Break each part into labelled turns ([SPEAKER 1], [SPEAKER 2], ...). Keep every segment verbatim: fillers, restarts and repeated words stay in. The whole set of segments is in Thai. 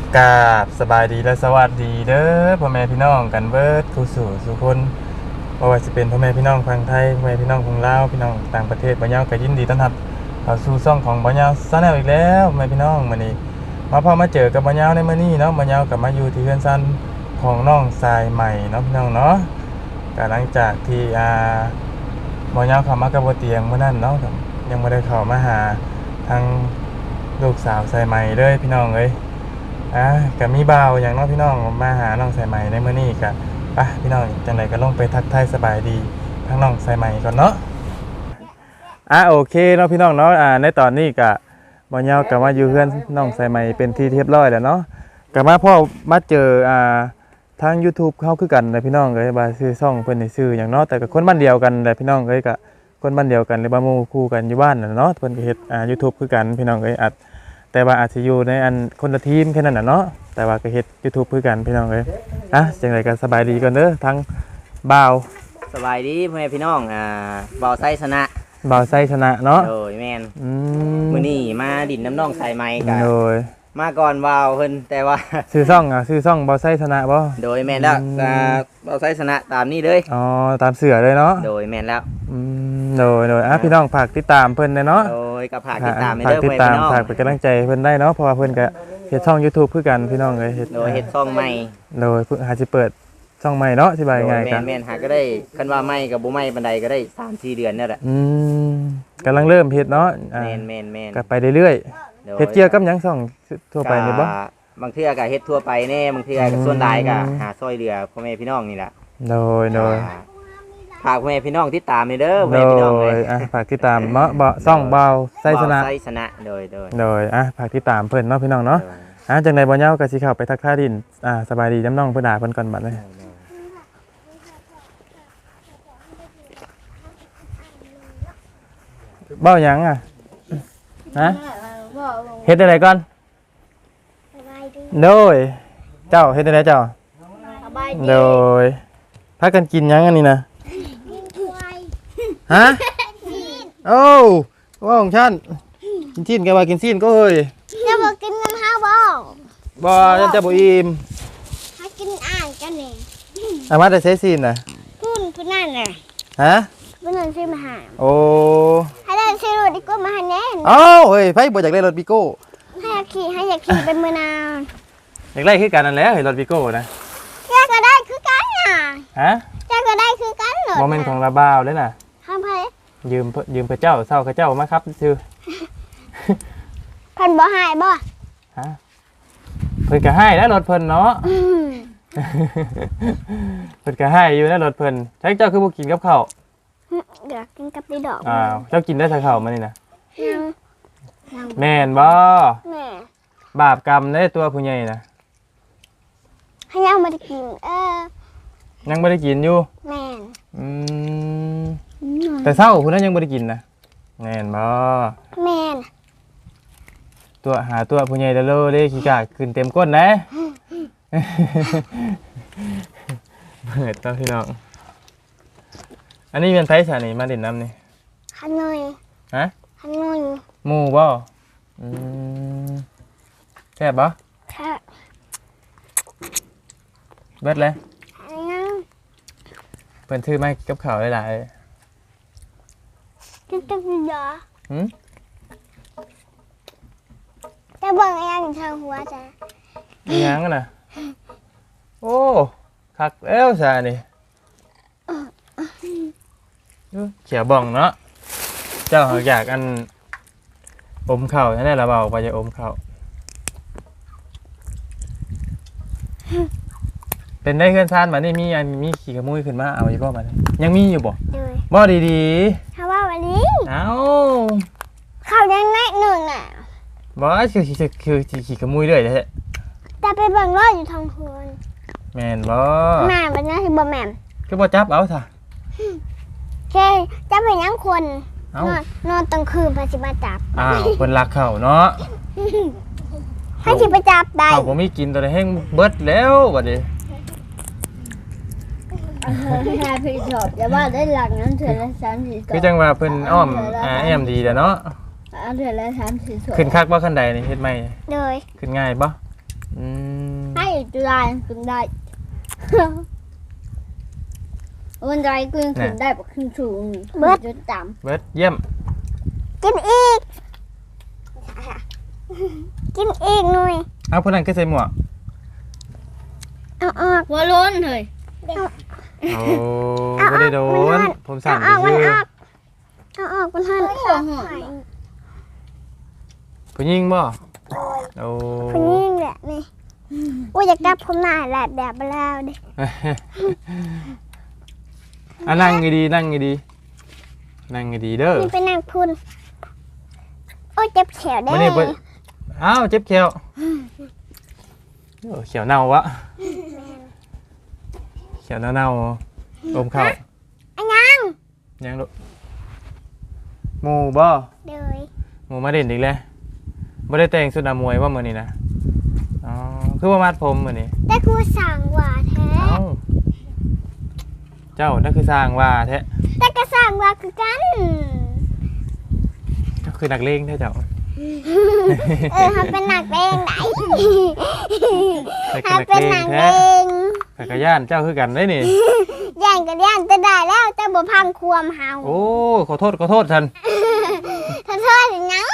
[SPEAKER 1] กราบสบายดีและสวัสดีเด้อพ่อแม่พี่น้องกันเบิดทุกสู่สุคนบ่ว่าจะเป็นพ่อแม่พี่น้องฝั่งไทยพ่อแม่พี่น้องของลาวพี่น้องต่างประเทศบ่ยาวก็ยินดีต้อนรับเข้าสู่ช่องของบ่ยาวชาแนลอีกแล้วพ่อแม่พี่น้องมื้อนี้มาพอมาเจอกับบ่ยาวในมื้อนี้เนาะบ่ยาวก็มาอยู่ที่เฮือนซันของน้องทรายใหม่เนาะพี่น้องเนาะก็หลังจากที่อ่าบ่ยาวเข้ามากับบ่เตียงมื้อนั้นเนาะยังบ่ได้เข้ามาหาทางลูกสาวทรายใหม่เลยพี่น้องเอ้ยอ่ะก็มีบ่าวอย่างน้องพี่น้องมาหาน้องสายใหม่ในมื้อนี้ก็ไปพี่น้องจังไดก็ลงไปทักทายสบายดีทั้งน้องสายใหม่ก่อนเนาะอ่ะโอเคเนาะพี่น้องเนาะอ่าในตอนนี้ก็บ่ยาวก็มาอยู่เฮือนน้องสายใหม่เป็นที่เรียบร้อยแล้วเนาะก็มาพ่อมาเจออ่าทาง YouTube เฮาคือกันนะพี่น้องเอ้ยว่าชื่อช่องเพิ่นนี่ชื่อหยังเนาะแต่ก็คนบ้านเดียวกันแหละพี่น้องเอ้ยก็คนบ้านเดียวกันหรือว่าหมู่คู่กันอยู่บ้านน่ะเนาะเพิ่นก็เฮ็ดอ่า YouTube คือกันพี่น้องเอ้ยอัดแต่ว่าอาจจะอยู่ในอันคนละทีมแค่นั้นน่ะเนาะแต่ว่าก็เฮ็ด YouTube คือกันพี่น้องเอ้ยอ่ะจังไดก็สบายดีก่อนเด้อทั้งบ่าว
[SPEAKER 2] สบายดีพ่อแม่พี่น้องอ่าบ่าวไส้ชนะ
[SPEAKER 1] บ่าวไสชนะเนาะ
[SPEAKER 2] โดยแม่น
[SPEAKER 1] อืม
[SPEAKER 2] มื้อนี้มาดินน้ำน้องใส่ไม้กัน
[SPEAKER 1] โดย
[SPEAKER 2] มาก่อนบ่าวเพิ่นแต่ว่า
[SPEAKER 1] ชื่อช่องอ่ะชื่อช่องบ่าวไสชนะบ่
[SPEAKER 2] โดยแม่นแล้ว
[SPEAKER 1] อืม
[SPEAKER 2] อ่าบ่าวไส้ชนะตามนี้เลย
[SPEAKER 1] อ๋อตามเสือเลยเนาะ
[SPEAKER 2] โดยแม่นแล้ว
[SPEAKER 1] อืมโดยโดยอ่ะพี่น้องฝากติดตามเพิ่นได้เนาะ
[SPEAKER 2] โดยกับผากติดตามให้
[SPEAKER 1] ฝาก
[SPEAKER 2] เด้อ
[SPEAKER 1] ติ
[SPEAKER 2] พ่อ
[SPEAKER 1] ด
[SPEAKER 2] แม่
[SPEAKER 1] ตาม
[SPEAKER 2] พี่น้อง
[SPEAKER 1] ฝากเป็นกำลังใจเพิ่นได้เนาะเพราะว่าเพิ่นก็เฮ็ดช่อง YouTube คือกันพี่น้องเอ้ยเฮ็ด
[SPEAKER 2] โดยเฮ็ดช่องใหม่
[SPEAKER 1] โดยเพิ่งหาสิเปิดช่องใหม่เนาะสิบาย
[SPEAKER 2] โดย
[SPEAKER 1] ง่าย
[SPEAKER 2] แม่
[SPEAKER 1] กัน
[SPEAKER 2] นแม่นหาก็ได้คันว่าไม่กับบ่ไม่ปานใดก็ได้ สามสี่ เดือนนั่นแหละ
[SPEAKER 1] อืมกำลังเริ่มเฮ็ดเนาะอ่า
[SPEAKER 2] แม่นแม่นแม่น
[SPEAKER 1] ก็ไปเรื่อย
[SPEAKER 2] โด
[SPEAKER 1] ๆเฮ็ดเกี่ยวกับหยังช่องทั่วไปนี่บ่
[SPEAKER 2] ก็บางเทื่อก็เฮ็ดทั่วไปแน่บางเทื่อก็ส่วนหลายก็หาซอยเหลือพ่อแม่พี่น้องนี่แหละ
[SPEAKER 1] โดยโดย
[SPEAKER 2] ฝากพ่อแม่พี่น้องติดตามให้เด้อพ่อ
[SPEAKER 1] โด
[SPEAKER 2] แม่พี่น้องเลย
[SPEAKER 1] ยอ่ะฝากติดตามเนาะบ่ช่องเบาไสชนะ
[SPEAKER 2] ไส้ชนะโดยโดย
[SPEAKER 1] โดยอ่ะฝากติดตามเพิ่นเนาะพี่น้องเนาะอ่ะจังได๋บ่เหย้าก็สิเข้าไปทักทายดินอ่าสบายดีน้ำน้องเพิ่นหาเพิ่นก่อนบัดนี้เบ้าหยังอ่ะฮะเฮ็ดได้ไดก่อนโดยเจ้าเฮ็ดได้ไดเจ้าโดยพากันกินหยังอันนี้นะฮะโอ้ว่าของฉันกินชิ้นแกว่ากินชิ้นก็เฮ้ย
[SPEAKER 3] จะบอกกินน้ำห้าบ่
[SPEAKER 1] บ่ยังจะบ่อิ่ม
[SPEAKER 3] ให้กินอ่านกันเนี่ย
[SPEAKER 1] อามาแต่ใช้ชิ้นน่ะ
[SPEAKER 3] พูนพูนนั่นน่ะ
[SPEAKER 1] ฮะ
[SPEAKER 3] พูนนั่นซื้อมาหา
[SPEAKER 1] โอ้
[SPEAKER 3] ให้ได้ซื้อรถดีกว่ามาหาแน่
[SPEAKER 1] เอ้าเฮ้ยไผบ่อยากได้รถบิโก้
[SPEAKER 3] ให้อยากขี่ให้อยากขี่เป็นมือนาว
[SPEAKER 1] อยากได้คือกันนั่นแหละเฮ้ยรถบิโก้นะ
[SPEAKER 3] แกก็ได้คือกันน่ะ
[SPEAKER 1] ฮะ
[SPEAKER 3] แกก็ได้คือกันเหรอ
[SPEAKER 1] บ่แม่นของระบ่าวเด้น่ะ
[SPEAKER 3] ทำไม
[SPEAKER 1] ยืมเพิ่นยืมพระเจ้าเศร้าพระเจ้ามาครับซื่อ
[SPEAKER 3] พันบ่หายบ่
[SPEAKER 1] ฮะเพิ่นก็ให้แล้วรถเพิ่นเนาะ
[SPEAKER 3] อืม
[SPEAKER 1] เพิ่นก็ให้อยู่นะรถเพิ่นใช้เจ้าคือบ่กินกับข้าว
[SPEAKER 3] อยากกินกับดีดอก
[SPEAKER 1] อ้าวเจ้ากินได้แต่ข้าวมานี่นะ
[SPEAKER 3] ยังยัง
[SPEAKER 1] แม่นบ่
[SPEAKER 3] แม่
[SPEAKER 1] บาปกรรมในตัวผู้ใหญ่นะ
[SPEAKER 3] ให้ยังไม่ได้กินเออ
[SPEAKER 1] ยังบ่ได้กินอยู่
[SPEAKER 3] แม่
[SPEAKER 1] อืมแต่เช้าพุ่นนั้นยังบ่ได้กินนะแม่นบ่
[SPEAKER 3] แม่
[SPEAKER 1] ตัวหาตัวผู้ใหญ่เด้อเด้ขี้กากขึ้นเต็มก้นนะ เปิดต่อพี่น้องอันนี้เป็นไผสานี่มาเล่นน้ำนี่
[SPEAKER 3] ขนอย
[SPEAKER 1] ฮะ
[SPEAKER 3] ขนอย
[SPEAKER 1] หมู่บ่อืมแซ่บบ่
[SPEAKER 3] ค่ะ
[SPEAKER 1] เบิดเลย
[SPEAKER 3] ยัง
[SPEAKER 1] เพิ่นถือไม้กับข้าวหลาย
[SPEAKER 3] กินกับดีดอก
[SPEAKER 1] ๆหึ
[SPEAKER 3] จะเบิ่งยังทางหัวจ้ะ
[SPEAKER 1] มีหยังน่ะโอ้คักแล้วซานี่อื้อเขียวบ่องเนาะเจ้าอยากอันอมข้าวนั่นแหละเราเบาไปจะอมข้าวเป็นได้เพื่อนซานมานี่มีอันมีขี่ขโมยขึ้นมาเอาอีกบ่มาเนี่ยยังมีอยู่บ่
[SPEAKER 3] เลย
[SPEAKER 1] บ่ดี
[SPEAKER 3] ถ้าว่าวันนี้
[SPEAKER 1] ๆเอ้า
[SPEAKER 3] เขายังแน่หนึ่งอ่ะ
[SPEAKER 1] บ่คือคือคือคือขี่ขโมยเรื่อยแท้
[SPEAKER 3] แต่ไปเบิ่งรอดอยู่ทางพวน
[SPEAKER 1] แม่นบ่
[SPEAKER 3] แม่เป็นยังที่บ่แม่
[SPEAKER 1] คือบ่จับเอาซะ
[SPEAKER 3] แค่จะเป็นยังคน
[SPEAKER 1] เอ้าน
[SPEAKER 3] อนนอนตอนคืนพาสิมาจับ
[SPEAKER 1] อ้าวเพิ่นรักเขาเนาะ
[SPEAKER 3] ให้สิไปจับได้
[SPEAKER 1] เขาบ่มีกินตัวใดแห้งเบิดแล้วบัดนี้
[SPEAKER 4] แค่พี่ชอบแต่ว่าได้หลักนั้นเถื่อนละสามสี่ศ
[SPEAKER 1] คือ
[SPEAKER 4] พ
[SPEAKER 1] จังว่าเพิ่นอ้อมอ่าแอมดีแหละเนาะ
[SPEAKER 4] เอาเถื่อนละสามสี่ศพ
[SPEAKER 1] ขึ้นคักบ่คันใดนี่เฮ็ดไหม
[SPEAKER 3] เลย
[SPEAKER 1] ขึ้นง่ายบ่อืม
[SPEAKER 4] ให้จุฬาขึ้นได้วันใดกูยังขึ้นได้แบบขึ้นสูงเบิดจนต่
[SPEAKER 1] เบิดเยี่ยม
[SPEAKER 3] กินอีก กินอีกหน่อย
[SPEAKER 1] เอาพวกนั้นก็ใส่หมวก
[SPEAKER 3] เอาออก
[SPEAKER 4] ำหัวโล้นเลย
[SPEAKER 1] โอ้ไม่ได้โดนผมสั่ง
[SPEAKER 3] เอาออกมัน
[SPEAKER 1] ชื่อ
[SPEAKER 3] ออกเอาออกมันหัน
[SPEAKER 4] หัวหอม
[SPEAKER 1] ผู้หญิงบ่โอ้
[SPEAKER 3] คนนี้แหละนี่ว่าอยากกลับผมหน้าแหละแบบเบลาดิ
[SPEAKER 1] อ่ะนั่งดีๆนั่งดีๆนั่งดีๆเด้อ
[SPEAKER 3] นี่เป็นนางพุนโอ้ยเจ็บแขวได้
[SPEAKER 1] ไม่ได้เบิดอ้าวเจ็บเขียวโอ้เขียวเน่าวะเขียวเน่าๆอมเข้า
[SPEAKER 3] อันยัง
[SPEAKER 1] ยังลูกหมูบ่
[SPEAKER 3] เดย
[SPEAKER 1] หมูมาเด่นอีกแล้วบ่ได้แต่งสุดอามวยว่ามื้อนี้นะอ๋อคือว่ามัดผมมื้อนี้
[SPEAKER 3] แต่กูสั่งว่าแท้
[SPEAKER 1] เอ้าเจ้านั่นคือสร้างว่าแท้
[SPEAKER 3] แต่ก็สั่งว่าคือกัน
[SPEAKER 1] เจ้าคือนักเลงแท้เจ้า
[SPEAKER 3] เออเขาเป็นนักเลงไหน
[SPEAKER 1] ใส่
[SPEAKER 3] เขา
[SPEAKER 1] นัก
[SPEAKER 3] เป็น
[SPEAKER 1] เล
[SPEAKER 3] นั
[SPEAKER 1] ง
[SPEAKER 3] กเล
[SPEAKER 1] แท้
[SPEAKER 3] ง
[SPEAKER 1] ข้ากะย่านเจ้าคือกันได้นี่
[SPEAKER 3] ย่างกันย่างจะได้แล้วแต่บ่พังความเฮา
[SPEAKER 1] โอ้ขอโทษขอโทษท่าน
[SPEAKER 3] ถ้าเธอถึงยัง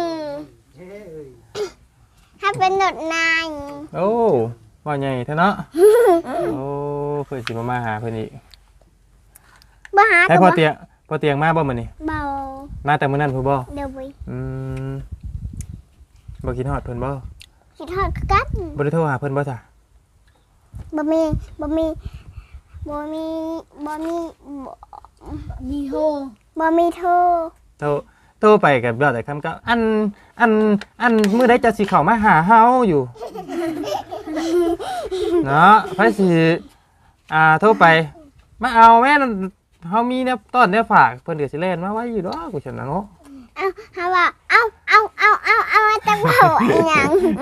[SPEAKER 3] ถ้าเป็นหนดนาย
[SPEAKER 1] โอ้ว่าใหญ่แท้เนาะโอ้เพิ่นสิมามาหาเพิ่นอีก
[SPEAKER 3] บ่หา
[SPEAKER 1] ให้
[SPEAKER 3] ก็
[SPEAKER 1] พอ
[SPEAKER 3] บ่
[SPEAKER 1] เตียงพอเตียงมาบ่มื้อนี้
[SPEAKER 3] เบา
[SPEAKER 1] มาแต่มื้อนั้นพุ่นบ่
[SPEAKER 3] เดี๋ยวไป
[SPEAKER 1] อืมบ่คิดฮอดเพิ่นบ่
[SPEAKER 3] คิดฮอดคือกัน
[SPEAKER 1] บ่ได้โทรหาเพิ่นบ่จ้ะ
[SPEAKER 3] บ่มีบ่มีบ่มีบ่มีบ่
[SPEAKER 4] มีโฮ
[SPEAKER 3] บ่มีโทร
[SPEAKER 1] โทรโทรไปกับเราแต่คำก็อันอันอันมื้อใดจะสิเข้ามาหาเฮาอยู่ เนาะไผสิอ่าโทรไปมาเอาแม่นเฮามีเนี่ยต้อนเนี่ยฝากเพิ่นก็สิเล่นมาไว้อยู่ดอกกูฉันน่ะเนาะ
[SPEAKER 3] เอ้าหาว่าเอ้าเอ้าเอ้าเอ้าเอ้าจังเว้าอีหยัง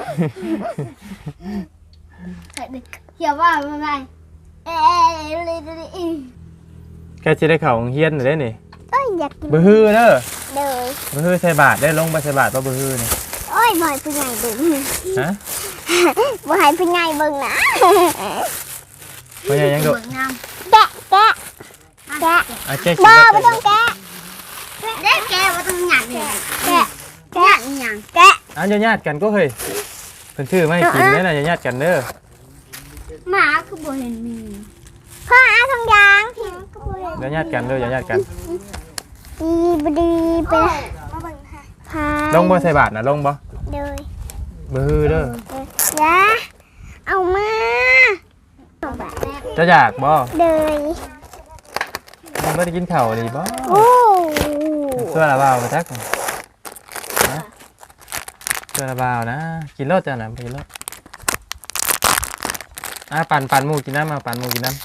[SPEAKER 4] เขียวว่าไม่ไม่เอ๊ะเลยเลย
[SPEAKER 1] แกสิได้เข้าโรงเรียนได้นี่
[SPEAKER 3] โอ้ยอยากกิน
[SPEAKER 1] บ่ฮือเด้อ
[SPEAKER 3] เลย
[SPEAKER 1] บ่ฮือใส่บาตรได้ลงบ่ใส่บาตรบ่บ่ฮือนี่
[SPEAKER 3] โอ้ยบ่ให้ผู้ใหญ่เบิ่ง
[SPEAKER 1] ฮะ
[SPEAKER 3] บ่ให้ผู้ใหญ่เบิ่งนะ
[SPEAKER 1] บ่ใหญ่ยังโดด
[SPEAKER 4] งาม
[SPEAKER 3] แกะแกะแกะ
[SPEAKER 1] อ่ะแกสิ
[SPEAKER 3] บ่
[SPEAKER 1] ได้
[SPEAKER 3] บ่ต้องแกะ
[SPEAKER 4] เด็กแกว่าต้องหยัดเนี่ย
[SPEAKER 3] แกะ
[SPEAKER 4] หยัดหยัง
[SPEAKER 3] แกะ
[SPEAKER 1] อ่ะญาติๆกันก็เฮ้ยเพิ่นชื่อมาให้กินเด้อน่ะญาติๆกันเด้อ
[SPEAKER 4] หมาคือบ่เห็นมี
[SPEAKER 3] พ่อเอาทองยาง
[SPEAKER 1] เดี๋ยวญาติกันเด้อญาติกัน
[SPEAKER 3] ดีบ่ดีไปละพา
[SPEAKER 1] ลงบ่ใส่บาตรน่ะลงบ่
[SPEAKER 3] เลย
[SPEAKER 1] บ่ฮือเด้อ
[SPEAKER 3] อย่าเอามาเอาแบบ
[SPEAKER 1] จะอยากบ่
[SPEAKER 3] เลย
[SPEAKER 1] มันบ่ได้กินข้าวดีบ่
[SPEAKER 3] โอ้
[SPEAKER 1] เสื้อละบ่าวไปทักนะเสื้อละบ่าวนะกินรสจ้ะน่ะไปกินรสอ่ะปั่นปั่นหมูกินน้ำมาปั่นหมูกินน้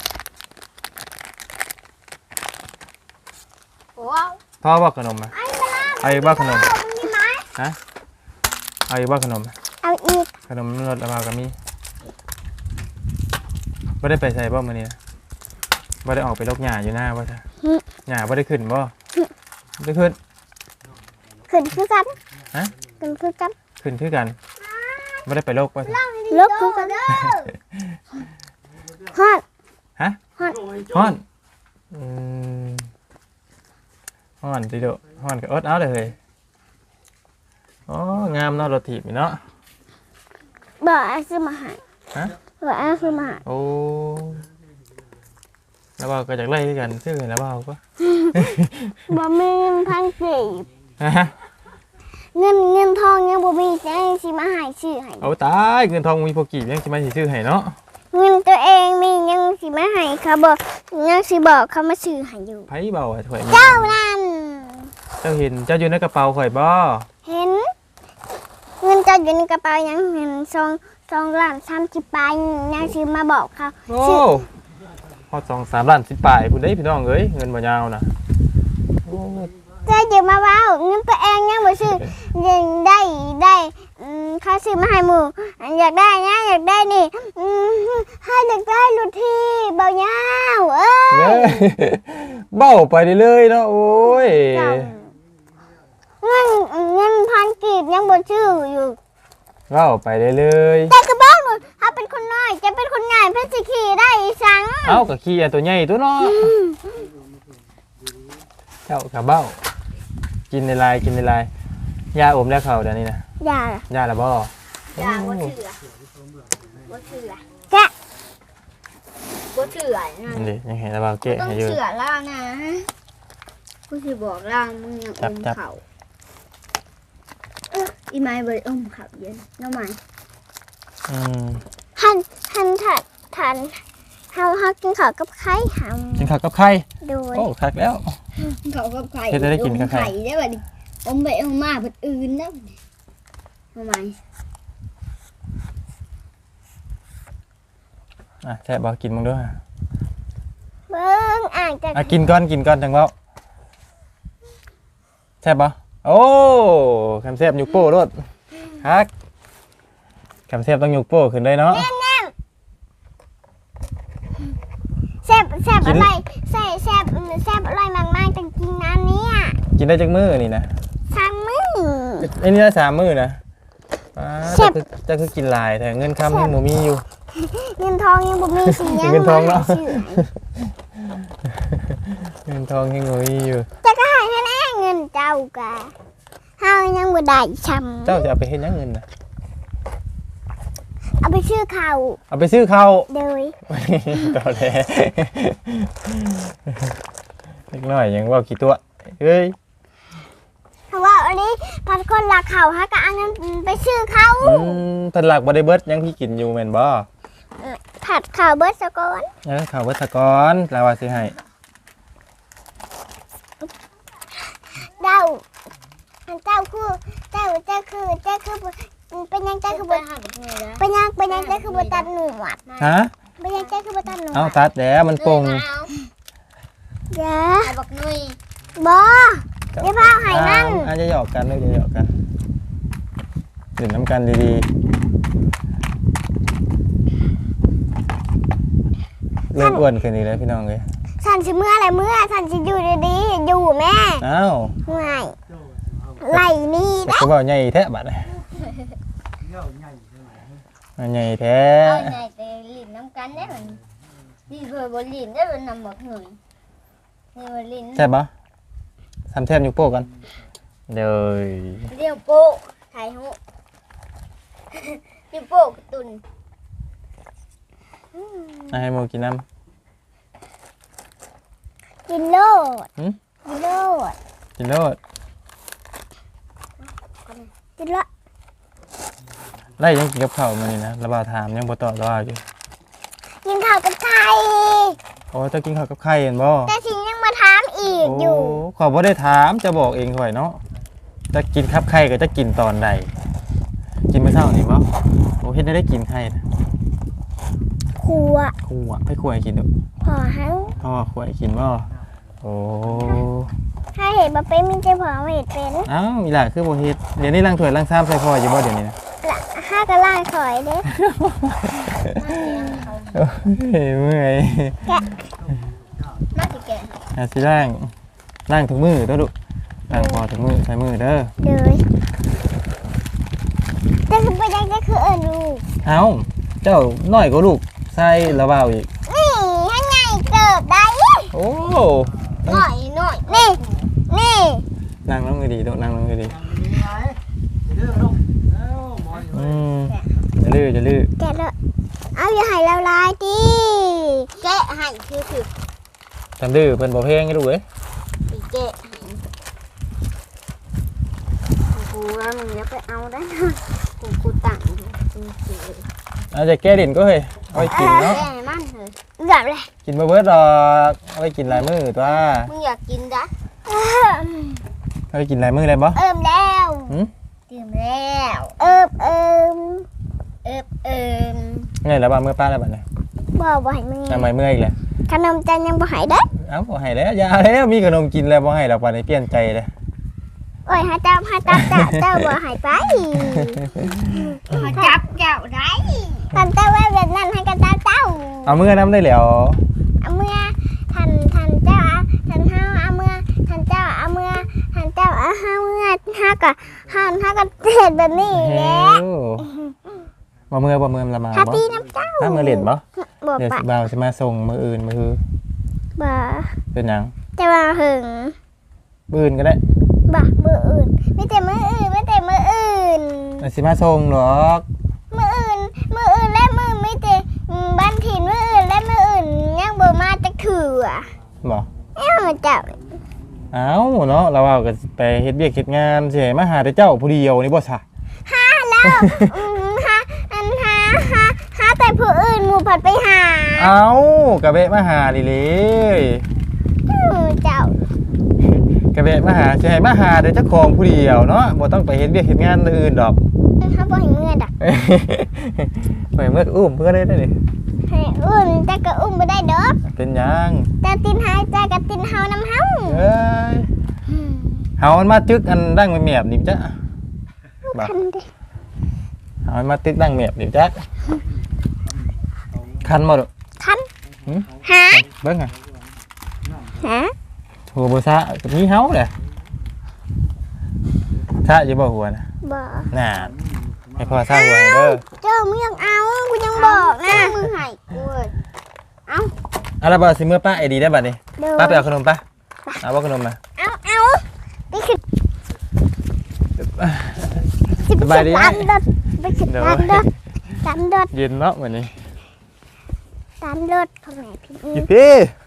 [SPEAKER 4] ว้าว
[SPEAKER 1] ำพ่อบอกขนมมาเอาอีกบ่ขนมฮะเอาอีกบ่ขนม
[SPEAKER 3] เอาอีก
[SPEAKER 1] ขนมรสละบ่าวก็มีบ่ได้ไปใส่บ่มื้อนี้นะบ่ได้ออกไปลกหญ้าอยู่หน้าบ่จ้ะหญ้าบ่ได้ขึ้นบ่บ่ได้ขึ้น
[SPEAKER 3] ขึ้นคือกัน
[SPEAKER 1] ฮะ
[SPEAKER 3] ขึ้นคือกัน
[SPEAKER 1] ขึ้นคือกันบ่ได้ไปลกบ่จ้ะ
[SPEAKER 3] ลบคือกันฮอด
[SPEAKER 1] ฮะ
[SPEAKER 3] ฮอด
[SPEAKER 1] ฮ้อนอืมฮ้อนติโดฮ้อนก็อดเอาเลยเฮ้ยอ๋องามเนาะรถถีบนี่เนาะ
[SPEAKER 3] บ่เอาซื้อมาให้
[SPEAKER 1] ฮะ
[SPEAKER 3] บ่เอาซื้อมาให้
[SPEAKER 1] โอ้แล้วเบาก็จากไล่ด้วยกันชื่อแล้วเบาก็
[SPEAKER 3] บ่มีเงินพันกีบ
[SPEAKER 1] ฮะ
[SPEAKER 3] เงินเงินทองยังบ่มีจะให้สิมาให้ซื้อให้
[SPEAKER 1] เอาตายเงินทองมีพอกี่ยังสิมาสิชื่อให้เนาะ
[SPEAKER 3] เงินตัวเองมียังสิมาให้เขาบอกยังสิบอกเขามาซื้อให้อยู่
[SPEAKER 1] ไผเบาอะถวย
[SPEAKER 3] เจ้านั่น
[SPEAKER 1] เจ้าเห็นเจ้าอยู่ในกระเป๋าข่อยบ่
[SPEAKER 3] เห็น เงินเจ้าอยู่ในกระเป๋ายังเห็นซองซองล้านสามสิบปลายยังสิมาบอกเขา
[SPEAKER 1] โอ้พอสองสามล้านสิบปลายคุณได้พี่น้องเอ้ยเงินบ่ยาวนะโอ้
[SPEAKER 3] เจ้าอย่ามาเว้าเงินตัวเองยังบ่ซื้อยังได้ได้อืมเขาซื้อมาให้หมู่อยากได้นะอยากได้นี่อืมให้อยากได้รถที่เบายาวเอ้
[SPEAKER 1] เอ้
[SPEAKER 3] ย
[SPEAKER 1] ยเบ้าไปเรื่อยๆเนาะโอ้ย
[SPEAKER 3] เงินเงินพันกีบยังบ่ชื่ออยู่
[SPEAKER 1] เบ้าไปเรื่อย
[SPEAKER 3] แต่กระบอกหนูพื่อสิขี่ได้อีสัง
[SPEAKER 1] เอ้าก็ขี้อันตัวใหญ่ตัวเนาะเจ้ากับเบ้ากินในลายกินในลายยาอมแล้วเขาเดี๋ยวนี้นะ
[SPEAKER 3] อย่าย
[SPEAKER 1] าละบ่
[SPEAKER 4] อย่าบ่เชื่อบ่เชื่อ
[SPEAKER 3] แกะ
[SPEAKER 4] บ่เชื่อนะ
[SPEAKER 1] นี่ยังเห็นแล้วบ่าเกะ
[SPEAKER 4] ต้อง
[SPEAKER 1] ให้อยู่
[SPEAKER 4] เชื่อล่างนะกูสิบอกล่างมึงยังอมเขาอีไม้บ่ได้อมเขาเย็นน้ำไม้
[SPEAKER 1] อืม
[SPEAKER 3] หันหันถัดทันเฮาเฮากินข้าวกับไข่ห
[SPEAKER 1] กินข้าวกับไข่
[SPEAKER 3] ำโดย
[SPEAKER 1] โอ้คักแล้ว
[SPEAKER 4] เขากับไข่
[SPEAKER 1] เฮ็ดให้ได้กินกับไข่
[SPEAKER 4] ไข่ได้บัดนี้อมไปอมมาเพิ่นอื่นแล้วน้ำไม้
[SPEAKER 1] อ่ะแซ่บบ่กินมึงด้วย
[SPEAKER 3] เบิ้งอ่างจะ
[SPEAKER 1] อ่ะกินก่อนกินก่อนจังเว้าแซ่บบ่โอ้คำแซ่บยุกโป้รถฮักคำแซ่บต้องยุกโป้ขึ้นเลยเนาะ
[SPEAKER 3] แซ่บแซ่บ
[SPEAKER 1] กิน
[SPEAKER 3] อะไรแซ่บแซ่บแซ่บอร่อยมากๆจังกินอันเนี้ย
[SPEAKER 1] กินได้จักมื้อนี่นะ
[SPEAKER 3] ซัมมือ
[SPEAKER 1] ไอ้นี่ได้สามมื้อนะป้า
[SPEAKER 3] แซ่
[SPEAKER 1] จะ
[SPEAKER 3] บ
[SPEAKER 1] คือจะคือกินหลายแต่เงินคำยังบ่มีอยู่
[SPEAKER 3] เงินทองยังบ่มีสิยัง
[SPEAKER 1] เงินทองเนาะ
[SPEAKER 3] ชื่อ
[SPEAKER 1] เงินทองยังบ่มีอยู่
[SPEAKER 3] จะก็ให้แน่ๆเงินเจ้ากะเฮายังบ่ได้ช้ำ
[SPEAKER 1] เจ้าจะเอาไปเฮ็ดหยังเงินน่ะ
[SPEAKER 3] เอาไปชื่อข้าว
[SPEAKER 1] เอาไปซื้อข้าว
[SPEAKER 3] โดย
[SPEAKER 1] ต่อแท้เล็กน้อยยังเว่ากี่ตัวเฮ้ย
[SPEAKER 3] เพราะว่าอันนี้พัดคนรักเขาฮะก็เอาเงินไปซื้อเขา
[SPEAKER 1] อืมเพิ่นหลักบ่ได้เบิดยังพี่กินอยู่แม่นบ่
[SPEAKER 3] ผัดข้าวเบิร์ดสะก่อน
[SPEAKER 1] เออข้าวเบิดซะก่อนแล้วว่าสิให้
[SPEAKER 3] เจ้าอันเจ้าคือเจ้าเจ้าคือเจ้าคือเป็นยังเจ้าคือ
[SPEAKER 4] ไป
[SPEAKER 3] บ่
[SPEAKER 4] หาแบบนี้แล้ว
[SPEAKER 3] เป็นยังเป็นยังเจ้าคือบ่ตัดหนวด
[SPEAKER 1] ฮะ
[SPEAKER 3] เป็นยังเจ้าคือบ่ตัดหนวด
[SPEAKER 1] เอาตัดแล้วมันโป่ง
[SPEAKER 3] เดี๋ยว
[SPEAKER 4] เอาบักนุย
[SPEAKER 3] บ่เดี๋ยวพาเอาให้มัน
[SPEAKER 1] อาจจะหยอกกันลูกจะหยอกกันดื่มน้ำกันดีๆเริ่มอ้วนขึ้นอีกแล้วพี่น้องเอ้ย
[SPEAKER 3] สันสิเมื่ออะไรเมื่อสันสิอยู่ดีๆอยู่แม่
[SPEAKER 1] อ้าว
[SPEAKER 3] ง่ายไหลนี่
[SPEAKER 1] แต่ก็ว่าใหญ่แท้บัดนี้ใหญ่แท้
[SPEAKER 4] เอาใหญ่แต่ลิ้นน้ำกันได้เหมือนนี่เคยบนลิ้นได้เป็นนำบักนุยนี่บนลิ้น
[SPEAKER 1] แซ่บปะทำแทบยุกโป้กันเดี๋ยว
[SPEAKER 4] เรียวโป๊ะไทยหูเรียวโป๊ะกระตุน
[SPEAKER 1] ให้โมกินน้
[SPEAKER 3] กินโลด
[SPEAKER 1] หืม
[SPEAKER 3] กินโลด
[SPEAKER 1] ำกินโลด
[SPEAKER 3] กินโลด
[SPEAKER 1] ไล่ยังกินกับข้าวมานี่นะระบาดถามยังบ่ตอบระบาดอยู่
[SPEAKER 3] กินข้าวกับไข่
[SPEAKER 1] โอ้เจะกินข้าวกับไข่เห็นบ่
[SPEAKER 3] แต่สิยังมาถามอีกอยู่
[SPEAKER 1] ขอบ่ได้ถามจะบอกเองค่อยเนาะจะกินครับไข่ก็จะกินตอนใดกินมื้อเช้านี่บ่โอ้เฮ็ดได้ได้กินไข่นะ
[SPEAKER 3] ครัว
[SPEAKER 1] ครูอ่ะให้ครูให้กินดู
[SPEAKER 3] พอหัง
[SPEAKER 1] พ่อครูให้กินบ่โอ้
[SPEAKER 3] ถ้าเห็นบะเป็นมีใจพอไม่เห็นเป็น
[SPEAKER 1] อ้าวอีหล่ะคือบ่เฮ็ดเดี๋ยวนี้ล้างถ้วยล้างชามใส่พ่ออยู่บ่เดี๋ยวนี้นะ
[SPEAKER 3] ละห้ากระล่างถอยเด้
[SPEAKER 1] โอ้ยเมื่อย
[SPEAKER 4] น่าจะแก่
[SPEAKER 1] อาสิล้างล้างถุงมือเด้อลูกล้างพอถุงมือใส่มือเด้อ
[SPEAKER 3] เลยจะคือไปยังจะคือเอิญลูก
[SPEAKER 1] เอ้าเจ้าน้อยกว่าลูกใส่ระเบาอีก
[SPEAKER 3] นี่ให้ไงเกิดได้
[SPEAKER 1] โอ้
[SPEAKER 4] หน่อยหน่อย
[SPEAKER 3] นี่นี่
[SPEAKER 1] นั่งลงดีๆลูกนั่งลงดีๆอืมจะลื้อจะลื้อ
[SPEAKER 3] แกะเลยเอาอย่าให้เราลายดิ
[SPEAKER 4] แกะให้คือคือ
[SPEAKER 1] ทำดื้อเพิ่นบ่เพลงให้ลูกเอ้ย
[SPEAKER 4] อีแกะให้กูว่ามึงอย่าไปเอาได้นะกูกูตั้งอยู่กูเสือ
[SPEAKER 1] เอาจะแก้ดินก็เฮ้ยเอาไว้กินเนาะ
[SPEAKER 4] แกะให้มันเถอะ
[SPEAKER 3] เกือบเลย
[SPEAKER 1] กินบ่เบิดดอกเอาไว้กินหลายมื้อตัว
[SPEAKER 4] มึงอยากกินจ้ะ
[SPEAKER 1] เอาไว้กินหลายมื้อเลยบ่
[SPEAKER 3] เอิมแล้ว
[SPEAKER 1] หึ
[SPEAKER 4] เตรียมแล้ว
[SPEAKER 3] เอิมเอิม
[SPEAKER 4] เอิบเอิม
[SPEAKER 1] ไงแล้วบ่มื้อป้าแล้วบัดนี้
[SPEAKER 3] บ่บ่ให้มึง
[SPEAKER 1] ทำไมเมื่อยอีกแล้ว
[SPEAKER 3] ขนมจันยังบ่ให้ได้
[SPEAKER 1] เอ้าบ่ให้แล้วอย่าแล้วมีขนมกินแล้วบ่ให้แล้วบัดนี้เปลี่ยนใจเลย
[SPEAKER 3] โอ้ยหาจับหาจับจ้ะเจ้าบ่ให้ไป
[SPEAKER 4] มาจับเจ้าได้
[SPEAKER 3] ทันเจ้าว่าแบบนั้นให้กันเจ้าเจ้า
[SPEAKER 1] เอามื้อน้ำได้แล้ว
[SPEAKER 3] เอาเมื่อทันทันเจ้าทันเฮาเอาเมื่อทันเจ้าเอาเมื่อทันเจ้าเอาเฮาเมื่อเฮาก็เฮาเฮาก็เฮ็ดแบบนี้แหละ
[SPEAKER 1] บ่เมื่อบ่เมื่อละมา
[SPEAKER 3] ฮา
[SPEAKER 1] บ่
[SPEAKER 3] ตีน้ำเจ้า
[SPEAKER 1] ถ้ามือเล่นบ่
[SPEAKER 3] บ่
[SPEAKER 1] เดี๋ยว
[SPEAKER 3] ปะ
[SPEAKER 1] สิบ่าวสิมาส่งมื้ออื่นมื้อ
[SPEAKER 3] บ่
[SPEAKER 1] เป็นหยัง
[SPEAKER 3] จะมาหึง
[SPEAKER 1] มื้ออื่นก็ได้
[SPEAKER 3] บ่มืออื่นไม่แต่มืออื่นไม่แต่มืออื่น
[SPEAKER 1] อ่ะสิมาส่งหรอก
[SPEAKER 3] มืออื่นมืออื่นและมือไม่แต่บ้านถิ่นมืออื่นและมืออื่นยังบ่มาจะถืออ่ะ
[SPEAKER 1] บ่
[SPEAKER 3] เอ้าเจ้า
[SPEAKER 1] เอ้าเนาะเราเอาก็ไปเฮ็ดเวียกเฮ็ดงานสิให้มาหาแต่เจ้าผู้เดียวนี่บ่ซะ
[SPEAKER 3] หาแล้วอืมหาอันหาหาหาแต่ผู้อื่นหมู่ผัดไปหา
[SPEAKER 1] เอ้าก็แวะมาหาดิเลย
[SPEAKER 3] อืมเจ้า
[SPEAKER 1] ก็แวะมาหาสิให้มาหาแต่เจ้าของผู้เดียวเนาะบ่ต้องไปเฮ็ดเวียกเฮ็ดงานอื่นดอก
[SPEAKER 3] เขาบ่ให้เมื่อดัก
[SPEAKER 1] ไปเมื่ออุ้มเพิ่นก็ได้เด้อนี่
[SPEAKER 3] ให้อุ้มแต่ก็อุ้มบ่ได้ดอก
[SPEAKER 1] เป็นหยัง
[SPEAKER 3] แต่ตินหายใจกับตินเฮาน้ำเฮา
[SPEAKER 1] เอ้ยเฮามันมาตึกอันดังแมบๆนี่จ้ะบ่
[SPEAKER 3] คันเด้
[SPEAKER 1] เฮามันมาตึกดังแมบนี่จ้ะคันบ่ดอก
[SPEAKER 3] คัน
[SPEAKER 1] หึ
[SPEAKER 3] หา
[SPEAKER 1] เบิ่งอ่ะ
[SPEAKER 3] หา
[SPEAKER 1] หัวบ่ซะก็มีเฮาแหละซะอยู่บ่หัวน่ะ
[SPEAKER 3] บ่
[SPEAKER 1] น่ะให้พ่อซะหัวให้เด้อ
[SPEAKER 3] เจ้ามึงยังเอากูยังบอกนะมึงให้กูเอา
[SPEAKER 1] เอาล่ะบ่สิมื้อป้าไอ้ดีได้บัดนี้
[SPEAKER 3] เด้อ
[SPEAKER 1] ป้าไปเอาขนมป่ะเอาบ่ขนมมา
[SPEAKER 3] เอาเอานี่คือ
[SPEAKER 1] สบายดีไหม
[SPEAKER 3] ตามรถไปสิตามรถตามรถ
[SPEAKER 1] เย็นเนาะมื้อนี้
[SPEAKER 3] ตามรถของไหนพี่
[SPEAKER 1] อีพี่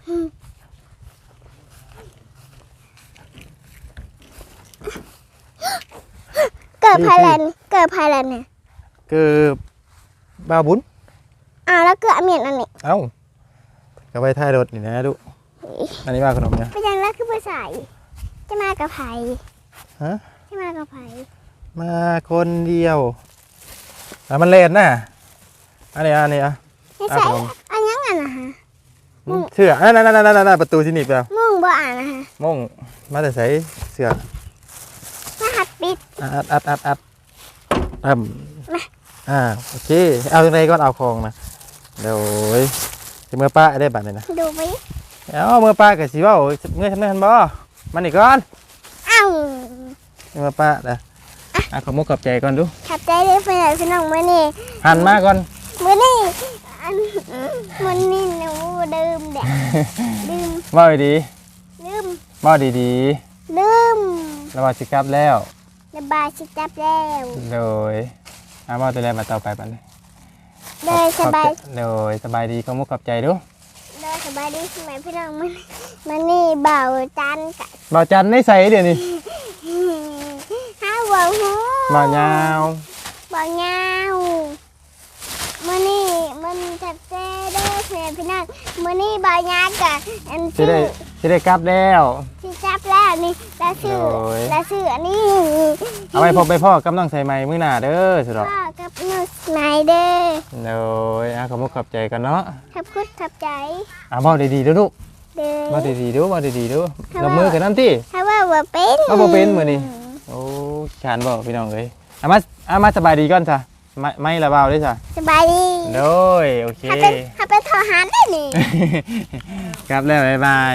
[SPEAKER 3] เกิดภายแลนเกิดภายแลนเนี่ย
[SPEAKER 1] คือบ่าวบุญ
[SPEAKER 3] อ้าวแล้วเกิดอเมียนอันนี้
[SPEAKER 1] เอ้าก็ไว้ท้ายรถนี่นะลูกอันนี้ว่าขนมเนี่ย
[SPEAKER 3] ไปยังแล้วคือภาษาจะมากับไผ
[SPEAKER 1] ฮะ
[SPEAKER 3] จะมากับไผ
[SPEAKER 1] มาคนเดียวอ่ะมันเล่นน่ะอันนี้อันนี้อ่ะ
[SPEAKER 3] ไม่ใช่อันยังอ่ะนะฮะ
[SPEAKER 1] เสื้อนั่นๆๆๆประตูที่หนีบแล้ว
[SPEAKER 3] มุ่งบ่อ่านนะฮะ
[SPEAKER 1] มงมาแต่ใส่เสื้อ
[SPEAKER 3] รหัสปิด
[SPEAKER 1] อัดอัดอัดอัดอ่ำอ่าโอเคเอาตรงไหนก่อนเอาของนะเดี๋ยวสิเมื่อป้าได้บัตรเลยนะ
[SPEAKER 3] ดูไป
[SPEAKER 1] เอาเมื่อป้ากับสิว่าเมื่อทำได้ทันบ่มันอีกก่อน
[SPEAKER 3] เอ้า
[SPEAKER 1] เมื่อป้าเด้ออ่ะขอมุกกับใจก่อนดู
[SPEAKER 3] ขับใจได้ไปไหนพี่น้องมื่อนี่
[SPEAKER 1] หันมาก่อน
[SPEAKER 3] มื่อนี่อันมื่อนี่หนูดื่มเด็กดื่ม
[SPEAKER 1] ว่าดี
[SPEAKER 3] ดื่ม
[SPEAKER 1] ๆว่าดี
[SPEAKER 3] ดื่ม
[SPEAKER 1] ๆแล้วว่าสิกลับแล้ว
[SPEAKER 3] ระบายชิจับแล้ว
[SPEAKER 1] โดยอาว่าตัวแรกมาต่อไปปัน
[SPEAKER 3] เลยสบาย
[SPEAKER 1] โดยสบายดีขอมุกกับใจดู
[SPEAKER 3] เลยสบายดีใช่ไหมพี่น้องมันมันนี่เบาจันกะ
[SPEAKER 1] บ่าวจันในใส่เดี๋ยวนี้
[SPEAKER 3] ห้าหัวหู
[SPEAKER 1] บ่าวยาว
[SPEAKER 3] บ่าวยาวมันนี่มันจับเจ้เด้อใช่ไหมพี่น้องมันนี่บ่าวยาวกะอัน
[SPEAKER 1] สิ
[SPEAKER 3] ชื่อ
[SPEAKER 1] ได้สิได้กลับแล้ว
[SPEAKER 3] ชิจับแล้วนี่แล้วชื่อ
[SPEAKER 1] โดย
[SPEAKER 3] แล้วชื่ออันนี้
[SPEAKER 1] เอาไปพบไปพ่อกำลังใส่ไม้มื้อหน้าเด้อสุดอก
[SPEAKER 3] พ่อกับหนูสไนเดอร์
[SPEAKER 1] โดยอ่ะขอมุกกับใจกันเนาะ
[SPEAKER 3] ขับคุดขับใจ
[SPEAKER 1] อ่ะบ่ดีๆเด้อลูก
[SPEAKER 3] เด้อ
[SPEAKER 1] บ่ดีๆดูบ่ดีๆดูลงมือกันนั่นติ
[SPEAKER 3] ถ้าว่าว่าเป็น
[SPEAKER 1] เอาบ่เป็นมื้อนี้ โอ้ขานบ่พี่น้องเอ้ยเอามาเอามาสบายดีก่อนจ้ะไม่ไม่ละเบาเด้อจ้ะ
[SPEAKER 3] สบายดี
[SPEAKER 1] โดยโอเค
[SPEAKER 3] ถ้าเป็นถ้าเป็นทหารได้นี่
[SPEAKER 1] กลับแล้วบ๊ายบาย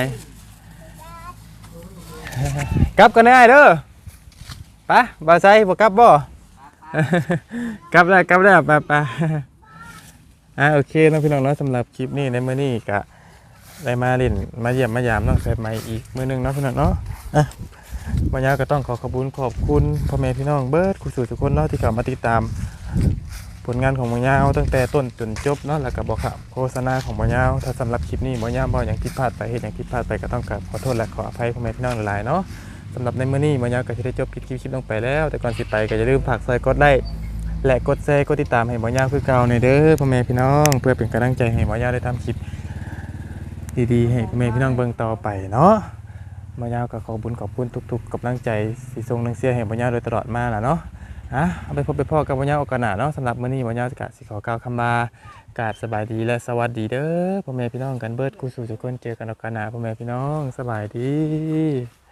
[SPEAKER 1] กลับกันได้เด้อไปบ่ใส่บ่กลับบ่ กลับแล้วกลับแล้วไปไปอ่ะโอเคเนาะพี่น้องเนาะสำหรับคลิปนี้ในมื้อนี้ก็ได้มาเล่นมาเยี่ยมมายามน้องแซ่บใหม่อีกมื้อหนึงเนาะพี่น้องเนาะอ่ะวันนี้ก็ต้องขอขอบคุณขอบคุณพ่อแม่พี่น้องเบิดคุณสู่ทุกคนเนาะที่เข้ามาติดตามผลงานของหมอยาวตั้งแต่ต้นจนจบเนาะแล้วก็บอกข่าวโฆษณาของหมอยาวถ้าสำหรับคลิปนี้หมอยาวบ่อย่างผิดพลาดไปเฮ็ดอย่างผิดพลาดไปก็ต้องกราบขอโทษและขออภัยพ่อแม่พี่น้องหลายๆเนาะสำหรับในมื้อนี้หมอยาวก็สิได้จบคลิปคลิปลงไปแล้วแต่ก่อนสิไปก็อย่าลืมฝากซอยกดไลค์และกดแชร์กดติดตามให้หมอยาวคือเก่าในอยเด้อพ่อแม่พี่น้องเพื่อเป็นกำลังใจให้หมอยาวได้ทำคลิปดีๆให้พ่อแม่พี่น้องเบิ่งต่อไปเนาะหมอยาวก็ขอบุญขอบคุณทุกๆกำลังใจสิส่งนังเสียให้หมอยาวโดยตลอดมาล่ะเนาะอ่ะเอาไปพบไปพ่อกับหมอยาวโอกาสหน้าเนาะสำหรับมื้อนี้หมอยาวก็สิขอกล่าวคำลากราบสบายดีและสวัสดีเด้อพ่อแม่พี่น้องกันเบิดกูสู่ทุกคนเจอกันโอกาสหน้าพ่อแม่พี่น้องสบายดี